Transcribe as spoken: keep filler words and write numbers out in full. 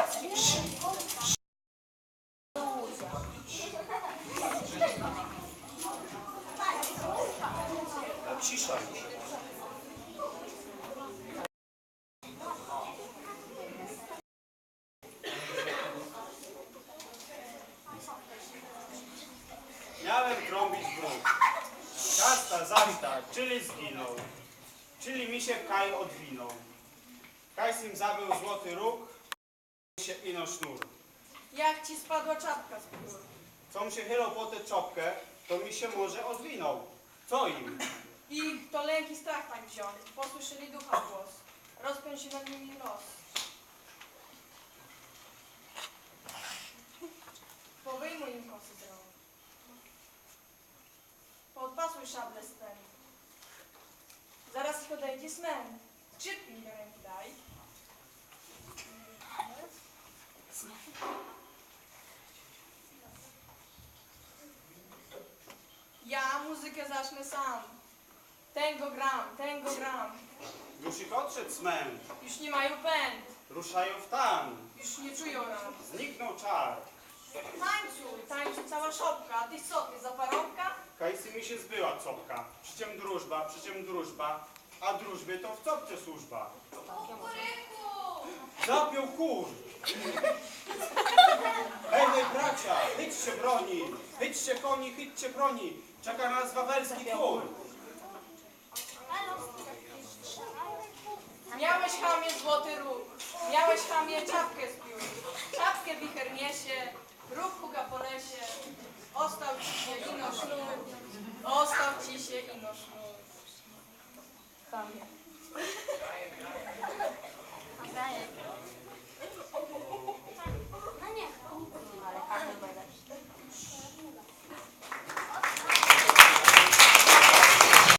Cisza już. Miałem trąbić bruk. Kasta zasta, czyli zginął. Czyli mi się Kaj odwinął. Kaj sim zabył złoty róg, się ino sznur. Jak ci spadła czapka z gór? Com się chylał po tę czopkę, to mi się może odwinął. Co im? I to lęk i strach tak wziął. Posłyszeli ducha głos. Rozpiął się nad nimi los. Powyjmuj im kosy z rąk. Podpasuj szable z ten. Zaraz ich odejdzie smęt. Szybki mi do ręki daj. Ja muzykę zacznę sam. Tęgo gram, tęgo gram. Już ich odszedł smęt. Już nie mają pęd. Ruszają w tan. Już nie czują ran. Zniknął czar. Tańczuj, tańczy cała szopka. A ty co, ty za parobka? Kajsy mi się zbyła copka. Przyczem drużba, przyczem drużba. A drużbie to w copce służba. Zapiął kur. Hej, hej, bracia, chyćcie broni. Chyćcie koni, chyćcie broni. Czeka nas wawelski król. Miałeś chamie złoty róg, miałeś chamie czapkę z piór, czapkę wicher niesie, róg huga po lesie, ostał ci się ino sznur, ostał ci się ino sznur. Chamie.